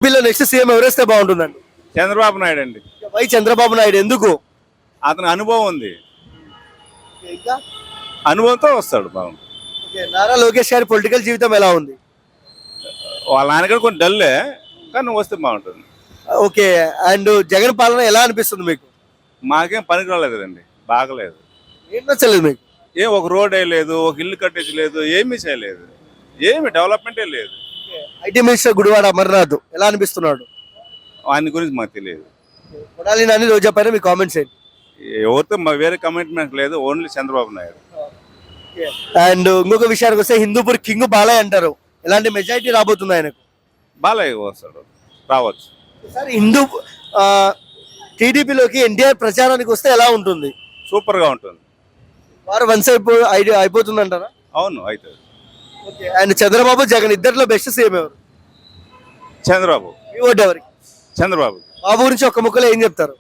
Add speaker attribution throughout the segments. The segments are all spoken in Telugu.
Speaker 1: ఏపీలో నెక్స్ట్ సీఎం ఎవరేస్తే బాగుంటుందండి?
Speaker 2: చంద్రబాబు నాయుడు అండి.
Speaker 1: వై చంద్రబాబు నాయుడు ఎందుకు?
Speaker 2: అతని అనుభవం ఉంది,
Speaker 1: ఇంకా
Speaker 2: అనుభవంతో వస్తాడు. బాగుంది.
Speaker 1: నారా లోకేష్ గారి పొలిటికల్ జీవితం ఎలా ఉంది?
Speaker 2: వాళ్ళ నాన్నగారు కొంచెం డల్లే, కానీ వస్తే బాగుంటుంది.
Speaker 1: ఓకే. అండ్ జగన్ పాలన ఎలా అనిపిస్తుంది మీకు?
Speaker 2: మాకేం పనికి రాలేదు కదండి, బాగలేదు.
Speaker 1: ఏం నచ్చలేదు మీకు?
Speaker 2: ఒక రోడ్ లేదు, ఒక ఇల్లు కట్టేసి లేదు, ఏమీ చేయలేదు, ఏమి డెవలప్మెంటే లేదు.
Speaker 1: ఐటీ మినిస్టర్ గుడివాడ అమర్నాథ్ ఎలా అనిపిస్తున్నాడు?
Speaker 2: వాని గురించి మాకు తెలియదు.
Speaker 1: కొడాలి నాని రోజా పైన మీ కామెంట్స్ ఏంటి?
Speaker 2: ఎవరితో వేరే కమిట్మెంట్ లేదు, ఓన్లీ చంద్రబాబు నాయుడు.
Speaker 1: అండ్ ఇంకొక విషయానికి వస్తే హిందూపూర్ కింగ్ బాలయ్య అంటారు, ఎలాంటి మెజారిటీ రాబోతుంది ఆయనకు?
Speaker 2: బాలయ్య వస్తాడు, రావచ్చు.
Speaker 1: సార్ హిందూ టీడీపీలోకి ఎన్టీఆర్ ప్రచారానికి వస్తే ఎలా ఉంటుంది?
Speaker 2: సూపర్ గా ఉంటుంది.
Speaker 1: వారు వన్స్ అయిపోతుంది అంటారా?
Speaker 2: అవును, అవుతుంది.
Speaker 1: ఓకే. అండ్ చంద్రబాబు జగన్ ఇద్దరిలో బెస్ట్ సీఎం ఎవరు?
Speaker 2: చంద్రబాబు.
Speaker 1: మీ ఓటు ఎవరికి?
Speaker 2: చంద్రబాబు.
Speaker 1: బాబు గురించి ఒక్క ముక్కలో ఏం చెప్తారు?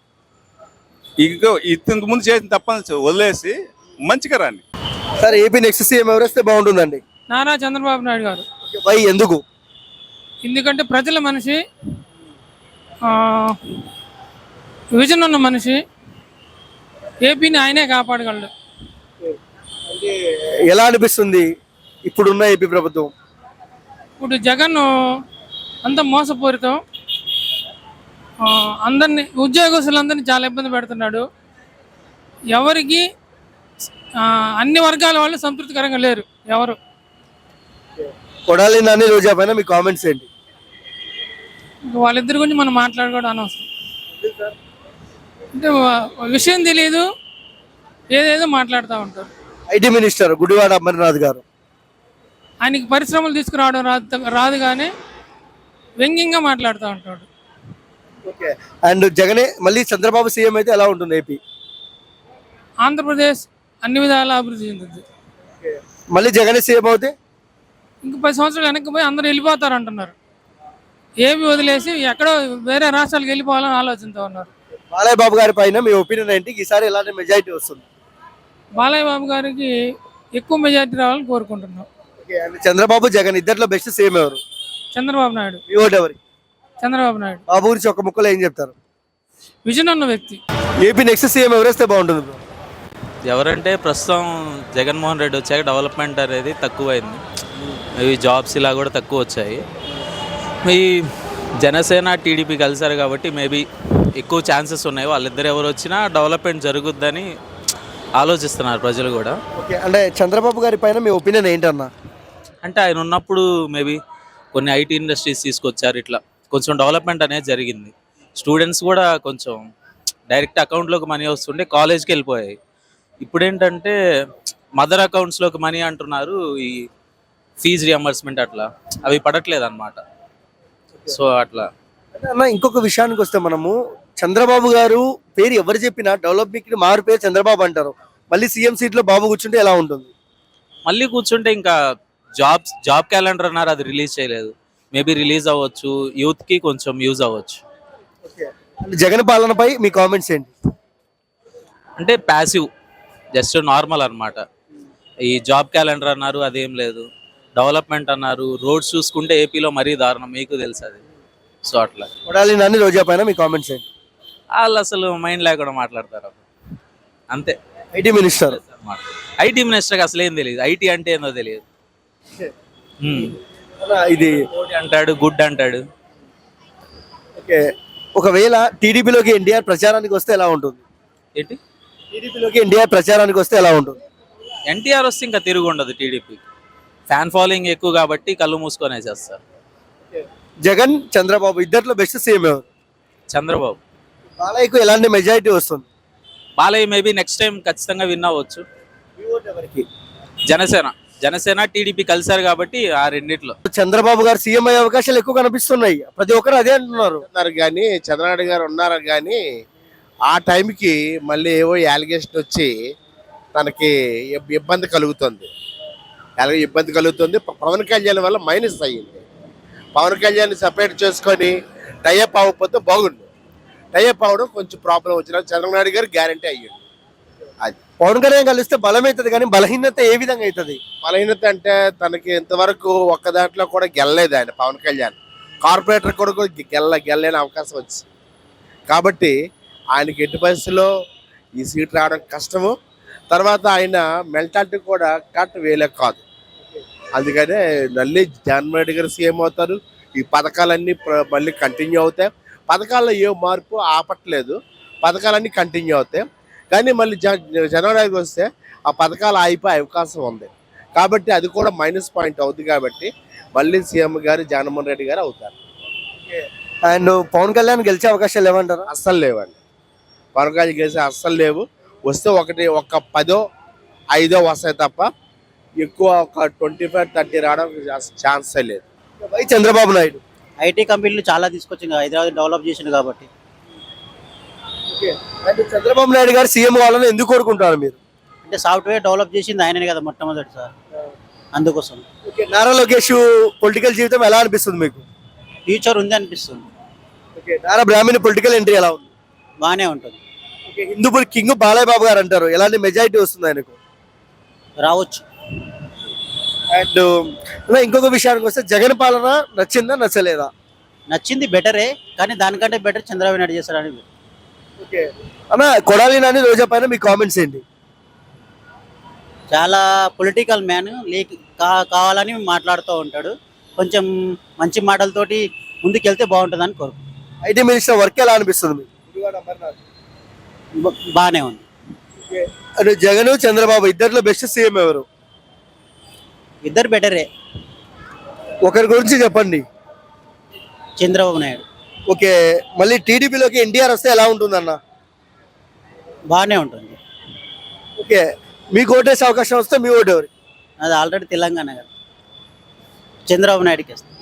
Speaker 2: ఇంతకు ముందు చేసిన తప్పని వదిలేసి మంచిగా రాండి.
Speaker 1: సార్ ఏపీ నెక్స్ట్ సీఎం ఎవరు వస్తే బాగుంటుందండి?
Speaker 3: నారా చంద్రబాబు నాయుడు గారు.
Speaker 1: వై ఎందుకు?
Speaker 3: ఎందుకంటే ప్రజల మనిషి, విజన్ ఉన్న మనిషి, ఏపీని ఆయనే కాపాడగలడు.
Speaker 1: ఎలా అనిపిస్తుంది ఇప్పుడున్న ఏపీ ప్రభుత్వం?
Speaker 3: ఇప్పుడు జగన్ అంత మోసపూరితం, అందరినీ ఉద్యోగస్తులందరినీ చాలా ఇబ్బంది పెడుతున్నాడు. ఎవరికి అన్ని వర్గాల వాళ్ళు సంతృప్తికరంగా లేరు ఎవరు.
Speaker 1: కొడాలి నాని రోజా పైన మీ కామెంట్స్ ఏంటి?
Speaker 3: వాళ్ళిద్దరి గురించి మనం మాట్లాడుకోవడం అనవసరం. అంటే విషయం తెలియదు, ఏదేదో మాట్లాడుతూ ఉంటారు.
Speaker 1: ఐటీ మినిస్టర్ గుడివాడ అమర్నాథ్ గారు
Speaker 3: ఆయనకి పరిశ్రమలు తీసుకురావడం రాదు కానీ వ్యంగ్యంగా మాట్లాడుతూ ఉంటాడు.
Speaker 1: ఓకే. అండ్ జగనే మళ్ళీ చంద్రబాబు సీఎం అయితే ఎలా ఉంటుంది ఏపీ?
Speaker 3: ఆంధ్రప్రదేశ్ అన్ని విధాలా అభివృద్ధి చెందుతుంది.
Speaker 1: మళ్ళీ జగనే సీఎం అవుతే
Speaker 3: ఇంకా 10 సంవత్సరాలు వెనక్కి పోయి అందరూ వెళ్ళిపోతారు అంటున్నారు. ఏపీ వదిలేసి ఎక్కడో వేరే రాష్ట్రాలకు వెళ్ళిపోవాలని ఆలోచనతో ఉన్నారు.
Speaker 1: బాలయ్య బాబు గారి పైన మీ ఒపీనియన్ ఏంటి? ఈసారి ఎలాంటి మెజారిటీ వస్తుంది?
Speaker 3: బాలయ్య బాబు గారికి ఎక్కువ మెజారిటీ రావాలని కోరుకుంటున్నాం.
Speaker 1: చంద్రబాబు జగన్ ఇద్దరిలో బెస్ట్ సీఎం ఎవరు?
Speaker 3: చంద్రబాబు నాయుడు.
Speaker 1: మీ ఓటు ఎవరికి?
Speaker 3: చంద్రబాబు నాయుడు.
Speaker 1: బాబు గురించి ఒక ముక్కలో ఏం చెప్తారు?
Speaker 3: విజన్ ఉన్న వ్యక్తి.
Speaker 1: ఏపీ నెక్స్ట్ సీఎం ఎవరేస్తే బాగుంటుంది?
Speaker 4: ఎవరంటే ప్రస్తుతం జగన్మోహన్ రెడ్డి వచ్చాక డెవలప్మెంట్ అనేది తక్కువైంది. ఇవి జాబ్స్ ఇలా కూడా తక్కువ వచ్చాయి. ఈ జనసేన టీడీపీ కలిసారు కాబట్టి మేబీ ఎక్కువ ఛాన్సెస్ ఉన్నాయి. వాళ్ళిద్దరు ఎవరు వచ్చినా డెవలప్మెంట్ జరుగుద్దని ఆలోచిస్తున్నారు ప్రజలు కూడా.
Speaker 1: ఓకే. అంటే చంద్రబాబు గారి పైన మీ ఒపీనియన్ ఏంటన్నా?
Speaker 4: అంటే ఆయన ఉన్నప్పుడు మేబీ కొన్ని ఐటీ ఇండస్ట్రీస్ తీసుకొచ్చారు, ఇట్లా కొంచెం డెవలప్మెంట్ అనేది జరిగింది. స్టూడెంట్స్ కూడా కొంచెం డైరెక్ట్ అకౌంట్లోకి మనీ వస్తుండే కాలేజ్కి వెళ్ళిపోయాయి. ఇప్పుడు ఏంటంటే మదర్ అకౌంట్స్లోకి మనీ అంటున్నారు. ఈ ఫీజు రియంబర్స్మెంట్ అట్లా అవి పడట్లేదు అన్నమాట. సో అట్లా
Speaker 1: అన్న ఇంకొక విషయానికి వస్తే మనము చంద్రబాబు గారు పేరు ఎవరు చెప్పినా డెవలప్మెంట్ మారు పేరు చంద్రబాబు అంటారు. మళ్ళీ సీఎం సీట్లో బాబు కూర్చుంటే ఎలా ఉంటుంది?
Speaker 4: మళ్ళీ కూర్చుంటే ఇంకా జాబ్ క్యాలెండర్ అన్నారు, అది రిలీజ్ చేయలేదు. మేబీ రిలీజ్ అవ్వచ్చు, యూత్కి కొంచెం యూజ్ అవ్వచ్చు.
Speaker 1: జగన్ పాలనపై మీ కామెంట్స్ ఏంటి?
Speaker 4: అంటే ప్యాసివ్, జస్ట్ నార్మల్ అన్నమాట. ఈ జాబ్ క్యాలెండర్ అన్నారు, అదేం లేదు. డెవలప్మెంట్ అన్నారు, రోడ్స్ చూసుకుంటే ఏపీలో మరీ దారుణం, మీకు తెలుసు అది. సో అట్లా
Speaker 1: కొడాలి నాని రోజా పైన మీ కామెంట్స్ ఏంటి?
Speaker 4: వాళ్ళు అసలు మైండ్ లేకుండా మాట్లాడతారు అంతే.
Speaker 1: ఐటీ మినిస్టర్
Speaker 4: ఐటీ మినిస్టర్కి అసలు ఏం తెలియదు, ఐటీ అంటే ఏందో తెలియదు.
Speaker 1: ఇది
Speaker 4: అంటాడు, గుడ్ అంటాడు.
Speaker 1: ఓకే. ఒకవేళ టీడీపీలోకి ఎన్టీఆర్ ప్రచారానికి వస్తే ఎలా ఉంటుంది?
Speaker 4: ఏంటి?
Speaker 1: టీడీపీలోకి ఎన్టీఆర్ ప్రచారానికి వస్తే ఎలా ఉంటుంది?
Speaker 4: ఎన్టీఆర్ వస్తే ఇంకా తిరుగు ఉండదు టీడీపీకి. ఫ్యాన్ ఫాలోయింగ్ ఎక్కువ కాబట్టి కళ్ళు మూసుకొని చేస్తారు.
Speaker 1: జగన్ చంద్రబాబు ఇద్దరిలో బెస్ట్ సీఎం ఎవరు?
Speaker 4: చంద్రబాబు.
Speaker 1: బాలయ్యకు ఎలాంటి మెజారిటీ వస్తుంది?
Speaker 4: బాలయ్య మేబీ నెక్స్ట్ టైం ఖచ్చితంగా విన్ అవ్వచ్చు. జనసేన టీడీపీ కలిసారు కాబట్టి ఆ రెండిట్లో
Speaker 1: చంద్రబాబు గారు సీఎం అయ్యే అవకాశాలు ఎక్కువ కనిపిస్తున్నాయి. ప్రతి ఒక్కరు అదే అంటున్నారు.
Speaker 5: కానీ చంద్రబాబు గారు ఉన్నారు కానీ ఆ టైంకి మళ్ళీ ఏవో యాలిగేషన్ వచ్చి తనకి ఇబ్బంది కలుగుతుంది. పవన్ కళ్యాణ్ వల్ల మైనస్ అయ్యింది. పవన్ కళ్యాణ్ సపరేట్ చేసుకొని టైఅప్ అవ్వకపోతే బాగుండు. టైఅప్ అవ్వడం కొంచెం ప్రాబ్లం వచ్చిన చంద్రబాబు నాయుడు గారు గ్యారంటీ అయ్యింది. అది
Speaker 1: పవన్ కళ్యాణ్ కలిస్తే బలం అవుతుంది కానీ బలహీనత ఏ విధంగా అవుతుంది?
Speaker 5: బలహీనత అంటే తనకి ఇంతవరకు ఒక్క దాంట్లో కూడా గెలలేదు ఆయన పవన్ కళ్యాణ్. కార్పొరేటర్ కూడా గెల్లలేని అవకాశం వచ్చింది. కాబట్టి ఆయనకి ఎట్టి పరిస్థితుల్లో ఈ సీట్ రావడం కష్టము. తర్వాత ఆయన మెంటాలిటీ కూడా కరెక్ట్ వేలే కాదు. అందుకనే మళ్ళీ జగన్మోహన్ రెడ్డి గారు సీఎం అవుతారు. ఈ పథకాలన్నీ మళ్ళీ కంటిన్యూ అవుతాయి. పథకాల్లో ఏ మార్పు ఆపట్లేదు, పథకాలన్నీ కంటిన్యూ అవుతాయి. కానీ మళ్ళీ జనవరికి వస్తే ఆ పథకాలు ఆగిపోయే అవకాశం ఉంది. కాబట్టి అది కూడా మైనస్ పాయింట్ అవుతుంది. కాబట్టి మళ్ళీ సీఎం గారు జగన్మోహన్ రెడ్డి గారు అవుతారు.
Speaker 1: అండ్ పవన్ కళ్యాణ్ గెలిచే అవకాశాలు లేవంటారా?
Speaker 5: అస్సలు లేవండి. పవన్ కళ్యాణ్ గెలిచే అస్సలు లేవు. వస్తే ఒక 10, 5 వస్తాయి తప్ప ఎక్కువ ఒక 25-30 రావడం ఛాన్సే లేదు.
Speaker 1: వై చంద్రబాబు నాయుడు?
Speaker 6: ఐటీ కంపెనీలు చాలా తీసుకొచ్చింది హైదరాబాద్ డెవలప్ చేసిండు కాబట్టి.
Speaker 1: అండ్ చంద్రబాబు నాయుడు గారు సీఎం కావాలని ఎందుకు కోరుకుంటారు మీరు?
Speaker 6: అంటే సాఫ్ట్వేర్ డెవలప్ చేసింది ఆయననే కదా మొట్టమొదటి సార్, అందుకోసం.
Speaker 1: ఓకే, నారా లోకేష్ పొలిటికల్ జీవితం ఎలా అనిపిస్తుంది మీకు?
Speaker 6: ఫ్యూచర్ ఉంది అనిపిస్తుంది,
Speaker 1: okay, Nara Brahmani political entry ఎలా ఉంది?
Speaker 6: బాగానే ఉంటుంది.
Speaker 1: ఓకే, హిందూపూర్ కింగ్ బాలయ్య బాబు గారు అంటారు, ఎలాంటి మెజారిటీ వస్తుంది ఆయనకు?
Speaker 6: రావచ్చు.
Speaker 1: అండ్ ఇంకొక విషయానికి వస్తే జగన్ పాలన నచ్చిందా నచ్చలేదా?
Speaker 6: నచ్చింది బెటరే, కానీ దానికంటే బెటర్ చంద్రబాబు నాయుడు చేస్తారని.
Speaker 1: ఓకే అన్న, కొడాలి నాని రోజా పైన మీ కామెంట్స్ ఏంటి?
Speaker 6: చాలా పొలిటికల్ మ్యాన్ కావాలని మాట్లాడుతూ ఉంటాడు. కొంచెం మంచి మాటలతోటి ముందుకెళ్తే బాగుంటుందని కోరుకు.
Speaker 1: ఐటీ మినిస్టర్ వర్క్ ఎలా అనిపిస్తుంది మీకు?
Speaker 6: బాగానే ఉంది.
Speaker 1: అంటే జగన్ చంద్రబాబు ఇద్దరిలో బెస్ట్ సీఎం ఎవరు?
Speaker 6: ఇద్దరు బెటరే.
Speaker 1: ఒకరి గురించి చెప్పండి.
Speaker 6: చంద్రబాబు నాయుడు.
Speaker 1: ఓకే, మళ్ళీ టీడీపీలోకి ఎన్టీఆర్ వస్తే ఎలా ఉంటుందన్న?
Speaker 6: బాగానే ఉంటుంది.
Speaker 1: ఓకే, మీకు ఓటేసే అవకాశం వస్తే మీ ఓటు ఎవరు?
Speaker 6: అది ఆల్రెడీ తెలంగాణ కదా, చంద్రబాబు నాయుడుకి వేస్తాం.